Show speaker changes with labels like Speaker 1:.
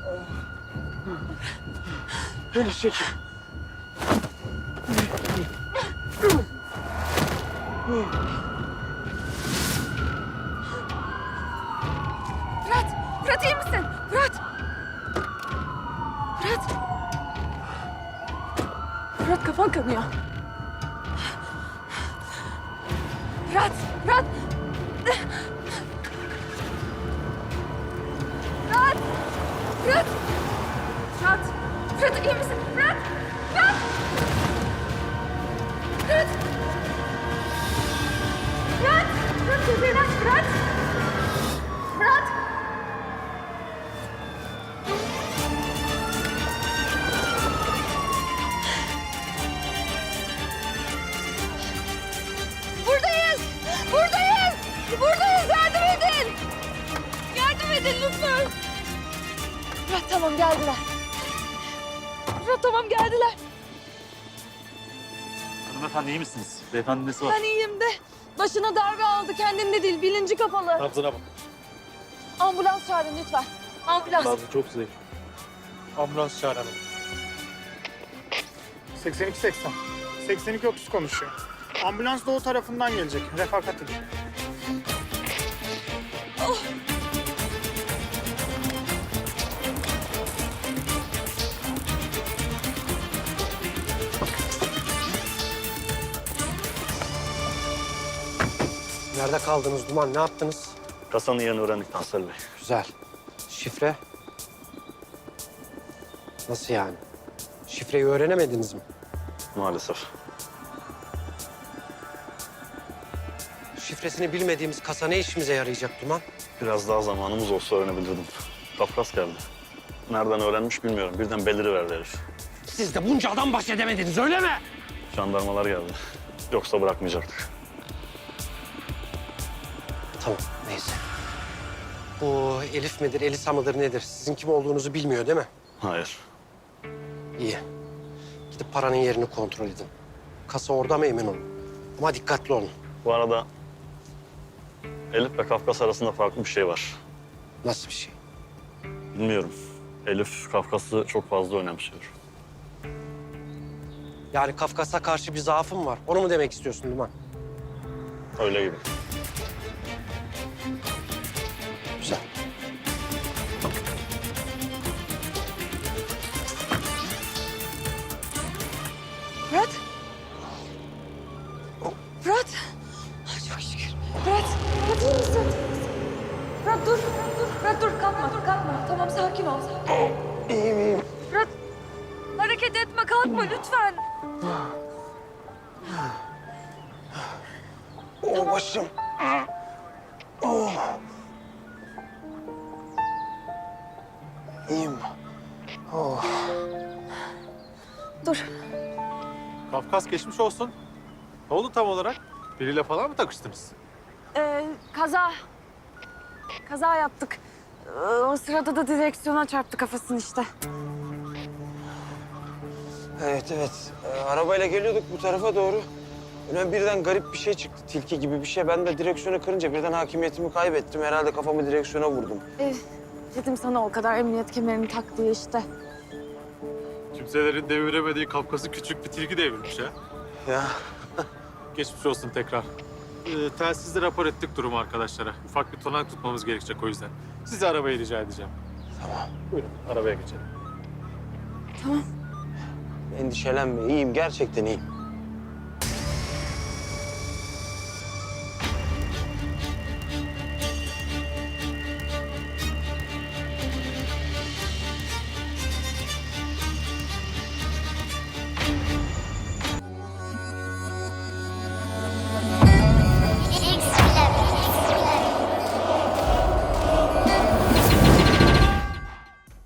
Speaker 1: Beni çekin.
Speaker 2: Fırat! Fırat iyi misin? Fırat! Fırat! Fırat kafan kanıyor. Fırat! Fırat! Fırat! Fırat! Fırat! Fırat iyi misin? Fırat! Fırat! Fırat! Fırat! Fırat gözlerini aç Fırat! Fırat! Buradayız! Buradayız! Buradayız! Yardım edin! Yardım edin lütfen! Fırat tamam geldiler. Fırat tamam geldiler.
Speaker 3: Hanımefendi iyi misiniz? Beyefendi nesi var?
Speaker 2: Ben iyiyim de başına darbe aldı. Kendinde değil, bilinci kapalı.
Speaker 3: Nabzına bak.
Speaker 2: Ambulans çağırın lütfen. Ambulans.
Speaker 3: Nabzı çok zayıf.
Speaker 1: Ambulans çağıralım. 82-80. 82-30 konuşuyor. Ambulans doğu tarafından gelecek. Refakat edin.
Speaker 4: Nerede kaldınız Duman? Ne yaptınız?
Speaker 3: Kasanın yerini öğrendik Tansel Bey.
Speaker 4: Güzel. Şifre? Nasıl yani? Şifreyi öğrenemediniz mi?
Speaker 3: Maalesef.
Speaker 4: Şifresini bilmediğimiz kasa ne işimize yarayacak Duman?
Speaker 3: Biraz daha zamanımız olsa öğrenebilirdim. Kafkas geldi. Nereden öğrenmiş bilmiyorum. Birden beliriverdi herif.
Speaker 4: Siz de bunca adam baş edemediniz öyle mi?
Speaker 3: Jandarmalar geldi. Yoksa bırakmayacaktık.
Speaker 4: Tamam neyse. Bu Elif midir, Elisa mıdır nedir? Sizin kim olduğunuzu bilmiyor değil mi?
Speaker 3: Hayır.
Speaker 4: İyi. Gidip paranın yerini kontrol edin. Kasa orada mı emin olun. Ama dikkatli olun.
Speaker 3: Bu arada Elif ve Kafkas arasında farklı bir şey var.
Speaker 4: Nasıl bir şey?
Speaker 3: Bilmiyorum. Elif Kafkas'ı çok fazla önemsiyor.
Speaker 4: Yani Kafkas'a karşı bir zaafım var. Onu mu demek istiyorsun Duman?
Speaker 3: Öyle gibi.
Speaker 4: Güzel.
Speaker 2: Fırat. Fırat. Ay, çok şükür. Fırat. Fırat iyi misin? Fırat dur. Fırat dur. Kalkma. Kalkma. Tamam sakin ol.
Speaker 4: İyiyim iyiyim.
Speaker 2: Fırat. Hareket etme. Kalkma lütfen.
Speaker 4: Oh başım. Oh. İyiyim. Oh.
Speaker 2: Dur.
Speaker 5: Kafkas geçmiş olsun. Ne oldu tam olarak? Biriyle falan mı takıştınız?
Speaker 2: Kaza. Kaza yaptık. O sırada da direksiyona çarptı kafasını işte.
Speaker 4: Evet. Arabayla geliyorduk bu tarafa doğru. Öyle birden garip bir şey çıktı. Tilki gibi bir şey. Ben de direksiyonu kırınca birden hakimiyetimi kaybettim. Herhalde kafamı direksiyona vurdum.
Speaker 2: Dedim sana o kadar emniyet kemerini tak diye işte.
Speaker 5: Kimselerin deviremediği Kafkas'ı küçük bir tilki devirmiş ha.
Speaker 4: Ya
Speaker 5: Geçmiş olsun tekrar. Telsizle rapor ettik durumu arkadaşlara. Ufak bir tonak tutmamız gerekecek o yüzden. Sizi arabaya rica edeceğim.
Speaker 4: tamam.
Speaker 5: Buyurun arabaya geçelim.
Speaker 2: Tamam.
Speaker 4: Endişelenme. İyiyim. Gerçekten iyiyim.